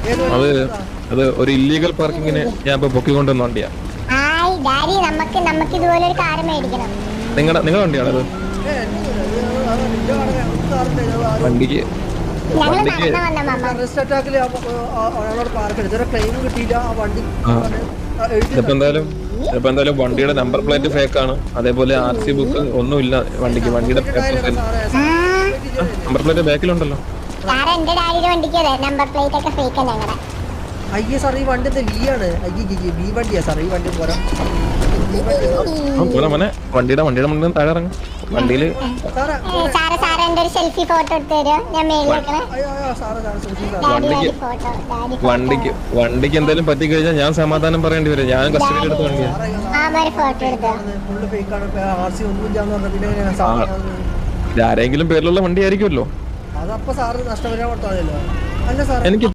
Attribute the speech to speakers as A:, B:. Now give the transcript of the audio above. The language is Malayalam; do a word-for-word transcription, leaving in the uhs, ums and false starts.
A: അത് അത് ഒരു ഇല്ലീഗൽ പാർക്കിങ്ങിന് ഞാൻ ഇപ്പൊ പൊക്കിക്കൊണ്ടുവന്ന വണ്ടിയാ. നിങ്ങളുടെ നിങ്ങളുടെ വണ്ടിയാണത്? വണ്ടിക്ക് വണ്ടിക്ക് ഇപ്പൊ എന്തായാലും ഇപ്പൊ എന്തായാലും വണ്ടിയുടെ നമ്പർ പ്ലേറ്റ് ഫേക്ക് ആണ്. അതേപോലെ ആർ സി ബുക്ക് ഒന്നുമില്ല വണ്ടിക്ക്. വണ്ടിയുടെ നമ്പർ പ്ലേറ്റ് ബാക്കിലുണ്ടല്ലോ.
B: അയ്യേ സാർ ഈ വണ്ടി വി ആണ്. അയ്യേ ബി വണ്ടിയാ സാർ ഈ വണ്ടി പോരാ.
A: മോനെ വണ്ടിയുടെ വണ്ടിയുടെ മുന്നിൽ താഴെ ഇറങ്ങും. വണ്ടിയില് വണ്ടിക്ക് വണ്ടിക്ക് വണ്ടിക്ക് എന്തെങ്കിലും പറ്റിക്കഴിഞ്ഞാൽ ഞാൻ സമാധാനം പറയേണ്ടി വരും. ഞാൻ കസ്റ്റഡിയിൽ എടുത്ത വണ്ടിയാ. ആരെങ്കിലും പേരിലുള്ള വണ്ടി ആയിരിക്കുമല്ലോ.
B: അതപ്പോ സാറ് നഷ്ടപരിഹാരം കൊടുത്താൽ മതിയല്ലോ. അല്ല സാർ
A: എനിക്ക്